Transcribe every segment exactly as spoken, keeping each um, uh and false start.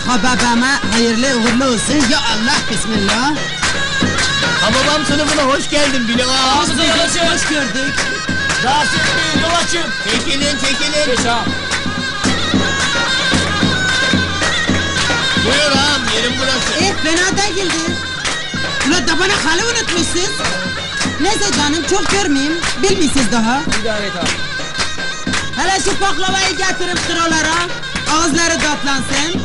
Ha babama hayırlı uğurlu olsun. Ya Allah, bismillah. Ha babam sınıfına hoş geldin Bilo ağa. Ağzınıza yol açın. Hoş gördük. Rahatsız etmeyin, yol açın. Çekilin, çekilin. Geç ağam. Buyur ağam, yerim burası. Eh, fena değildi. Ulan da bana halı unutmuşsunuz. Neyse canım, çok görmeyeyim. Bilmiyorsunuz daha. İdare et ağam. Hele şu baklavayı getirip sıralara. Ağızları tatlansın.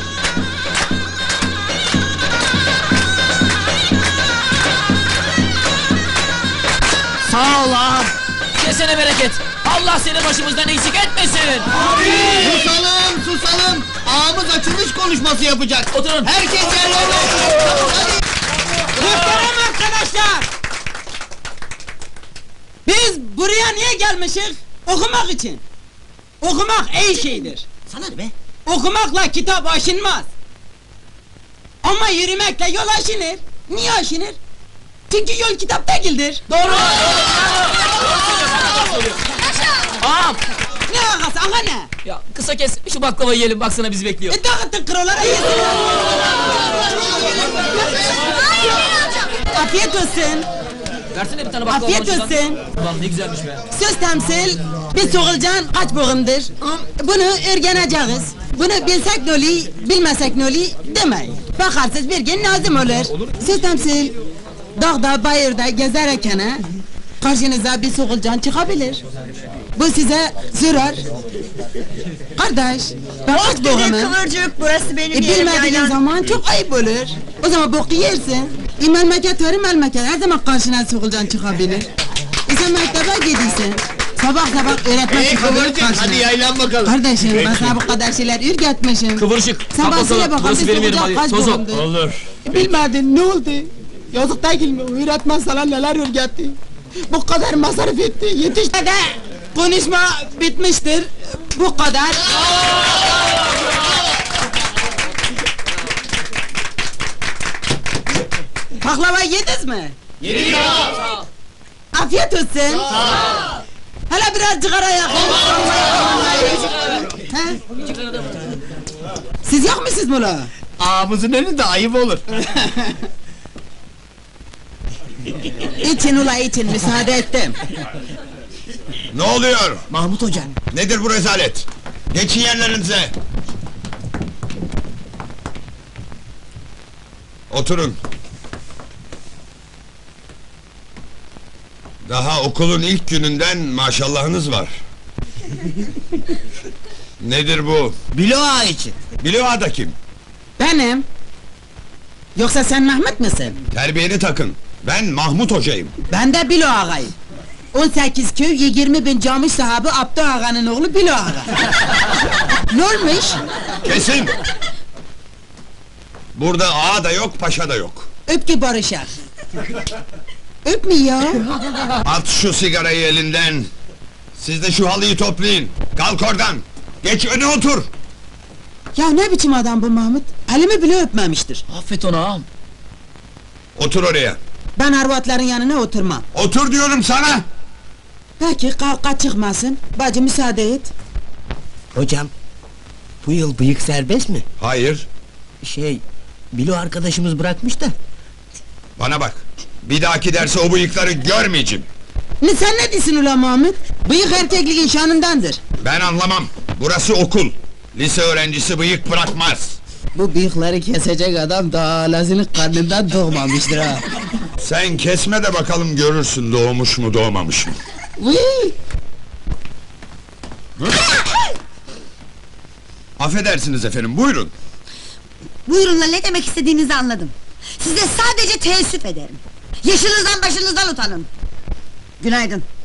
Sağ ol ağam. Kesene bereket. Allah seni başımızdan eksik etmesin. Susalım, susalım. Ağamız açılış konuşması yapacak. Oturun. Herkes yerlerine oturun. Hadi. Muhterem arkadaşlar! Biz buraya niye gelmişiz? Okumak için. Okumak iyi şeydir. Sana ne be? Okumakla kitap aşınmaz. Ama yürümekle yol aşınır. Niye aşınır? Çünkü yol kitap değildir. Doğru. Ağam. Ne ağası, ağa ne? Ya kısa kes, şu baklavayı yiyelim, baksana bizi bekliyor. E dağıtın kırolara yesin. Afiyet olsun. Versene bir tane baklava. Afiyet bana şuradan. olsun. Ulan ne güzelmiş be. Söz temsil, bir soğulcan kaç boğumdur. Bunu öğreneceğiz. Bunu bilsek ne oluyor, bilmesek ne oluyor demeyin. Bakarsınız bir gün lazım olur. Söz temsil, dağda bayırda gezerken karşınıza bir soğulcan çıkabilir. Bu size zarar. Kardeş, ben kaç boğumum. Kıvırcık, burası benim E, yerim bilmediğin yaylan. zaman çok ayıp olur. O zaman boku yersin. E, memleket verir memleket, her zaman karşına soğulcan çıkabilir. E sen mektebe gidiyorsun. Sabah sabah öğretmen Hey çıkabilir kıvırcık, karşına. hadi yaylan bakalım. Kardeşim, ben sana bu kadar şeyler ürgetmişim. Kıvırcık. Sen kalk bana söyle bakalım. bakalım, Burası bir benim yerim soğulcan hadi. kaç Tozo. boğumdur? Olur. E, bilmedin, ne oldu? Yazık değil mi? Öğretmen sana neler ürgetti? Bu kadar masraf etti, yetişti de konuşma bitmiştir. Bu kadar. Baklava yediniz mi? Yedik ağam. Afiyet olsun. Hele biraz cigara yakın. He? Siz yakmışsınız mı la? Ağamızın önünde ayıp olur. İçin ula için, müsaade ettim. Ne oluyor? Mahmut hocam. Nedir bu rezalet? Geçin yerlerinize! Oturun. Daha okulun ilk gününden maşallahınız var. Nedir bu? Bilo ağa için. Bilo da kim? Benim. Yoksa sen Mehmet misin? Terbiyeni takın. Ben Mahmut hocayım. Ben de Bilo ağayım. on sekiz köy, yirmi bin cami sahibi Abdü ağanın oğlu Bilo ağa. Ne olmuş? Kesin! Burada ağa da yok, paşa da yok. Öp ki barışar. Öp mü ya? At şu sigarayı elinden! Siz de şu halıyı toplayın! Kalk oradan! Geç öne otur! Ya ne biçim adam bu Mahmut? Elimi bile öpmemiştir. Affet onu ağam. Otur oraya! Ben arvatların yanına oturmam. Otur diyorum sana! Peki, kavga çıkmasın. Bacı müsaade et. Hocam, bu yıl bıyık serbest mi? Hayır, Şey, Bilo arkadaşımız bırakmış da. bana bak! Bir dahaki derse o bıyıkları görmeyeceğim! Ne sen ne diyorsun ulan Mahmut? Bıyık erkekliğin şanındandır. Ben anlamam! Burası okul! Lise öğrencisi bıyık bırakmaz! Bu bıyıkları kesecek adam daha alasının karnından doğmamıştır ha. Sen kesme de bakalım görürsün doğmuş mu doğmamış mı? Vıy! Affedersiniz efendim, buyurun! Buyurunla ne demek istediğinizi anladım. Size sadece teessüf ederim. Yaşınızdan başınızdan utanın. Günaydın.